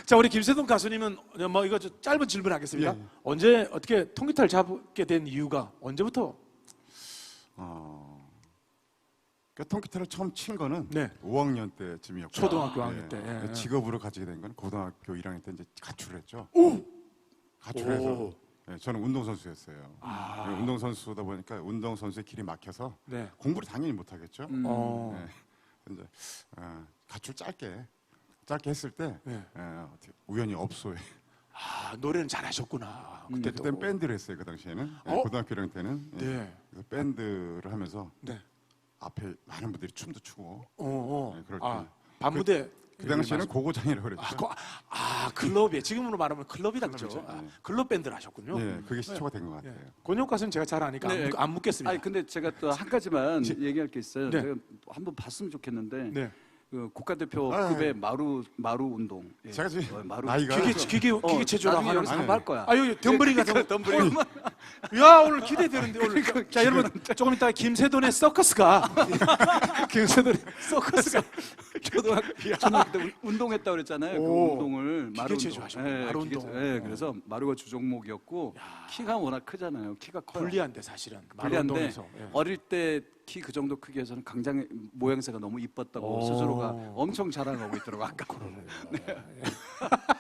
자, 우리 김세동 가수님은 뭐 이거 좀 짧은 질문하겠습니다. 예. 언제 어떻게 통기타를 잡게 된 이유가 언제부터? 통기타를 처음 친 거는 네. 5학년 때쯤이었고 초등학교 5학년 때. 예. 직업으로 가지게 된 건 고등학교 1학년 때 이제 가출을 했죠. 오! 가출해서 오. 예, 저는 운동선수였어요. 운동선수다 보니까 운동선수의 길이 막혀서 네. 공부를 당연히 못하겠죠. 어. 예. 이제 가출 짧게 했을 때 네. 어떻게 우연히 업소에 아, 노래는 잘하셨구나. 그때 또. 그땐 밴드를 했어요. 그 당시에는 고등학교 1학년 때는 네. 그래서 밴드를 하면서 네. 앞에 많은 분들이 춤도 추고 네, 그럴 아, 때. 밤무대. 그 당시에는 고고장이라고 그랬죠. 클럽이에 지금으로 말하면 클럽이다 그죠? 그렇죠. 네. 클럽 밴드를 하셨군요. 예, 그게 시초가 된 것 같아요. 권혁 가수는 제가 잘 아니까 네. 안 묻겠습니다. 아니 근데 제가 또 한 가지만 얘기할 게 있어요. 네. 제가 한번 봤으면 좋겠는데 네. 그 국가대표급의 마루 운동. 예. 제가 지금 마루. 나이가 기계 체조라 나중에 하는 여기서 한번 할 거야. 아유 덤블링 같은 덤블링. 야 오늘 기대되는데 오늘. 자 여러분 조금 이따 김세돈의 서커스가 김세돈의 서커스가 초등학교 때 운동했다고 그랬잖아요. 그 오. 운동을 마루 기계체조 하셨구나. 마루 운동. 그래서 마루가 주종목이었고 키가 워낙 크잖아요. 키가 커요. 불리한데 사실은 불리한데 운동에서. 예. 어릴 때 키 그 정도 크기에서는 강장 모양새가 너무 이뻤다고 스스로가 엄청 자랑하고 있더라고 아까. 네.